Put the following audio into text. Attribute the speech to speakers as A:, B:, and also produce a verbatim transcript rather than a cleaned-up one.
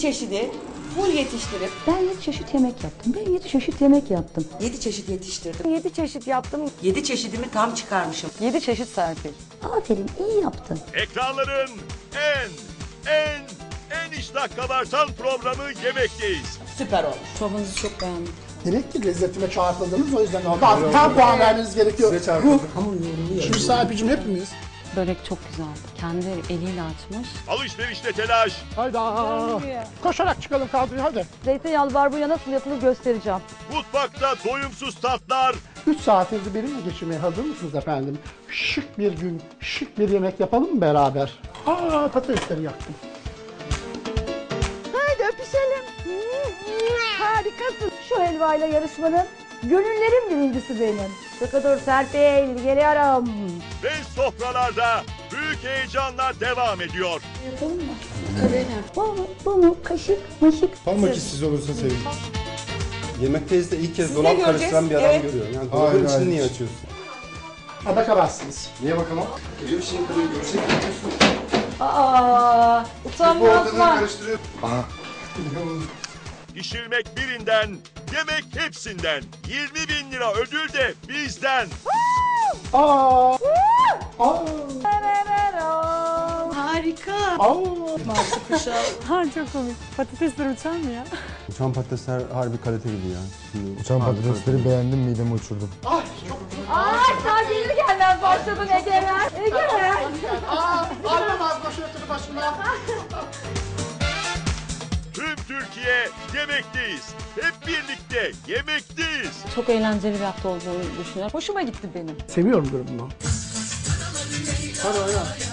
A: çeşidi full yetiştirip.
B: Ben yedi çeşit yemek yaptım. Ben yedi çeşit yemek yaptım.
A: Yedi çeşit yetiştirdim.
B: Yedi çeşit yaptım.
A: Yedi çeşidimi tam çıkarmışım.
B: Yedi çeşit Serpil. Aferin, iyi yaptın.
C: Ekranların en, en, en iştah kabartan programı Yemekteyiz.
A: Süper olmuş.
B: Çorbanızı çok beğendim.
D: Demek ki lezzetime çağrıldınız, o yüzden tam, tam puan vermeniz gerekiyor.
E: Size çarpıldım.
A: Hamur yoğuruluyor.
D: Şimdi sahibicim hepimiz.
B: Börek çok güzeldi. Kendi eliyle açmış.
C: Alışverişte telaş,
D: Hayda. Koşarak çıkalım kadroya hadi.
B: Zeytinyağlı barbunya nasıl yapılır göstereceğim.
C: mutfakta doyumsuz tatlar,
D: üç saatinizi benimle geçirmeye hazır mısınız efendim? Şık bir gün, şık bir yemek yapalım mı beraber? Aa, patatesleri yaktım.
B: Haydi öpüşelim. Harikasın. Şu helvayla yarışmanın gönüllerin birincisi benim. Sıkı Serpil, geliyorum.
C: ve sofralarda büyük heyecanla devam ediyor.
B: Yapalım mı? Tabii. Bu mu? Bu mu? Kaşık, maşık.
E: Parmak işsiz olursa sevinirim.
F: Yemekteyiz de ilk kez
A: Siz de
F: dolap
A: göreceğiz,
F: karıştıran bir adam
A: evet.
F: görüyorum. Yani
E: Hayır,
F: dolabın içini
E: hayır.
F: niye açıyorsun?
D: Ha, bakamazsınız.
E: Niye bakamam? Geliyor bir şeyin kırıyor, görecek yapıyorsun.
B: Aa,
E: Bu
B: utanmaz
E: ortadan
B: mı?
E: karıştırıyor. Aha.
C: Pişirmek birinden, yemek hepsinden. yirmi bin lira ödül de bizden.
D: Aa. Aa.
A: Harika.
D: Aa.
B: Ha, çok komik. Patatesler uçar mı ya?
F: Uçan patatesler harbi kalite gibi ya. Şimdi
E: Uçan patatesleri beğendim, midemi uçurdum.
D: Ay çok
B: Ay, daha gelir gelmez başladın Egemen. Egemen.
D: Aa, almamaz başörtülü başına.
C: Tüm Türkiye yemekteyiz. Hep birlikte yemekteyiz.
B: Çok eğlenceli bir hafta olduğunu düşünüyorum. Hoşuma gitti benim.
D: Seviyorum durumunu. Hadi oyna.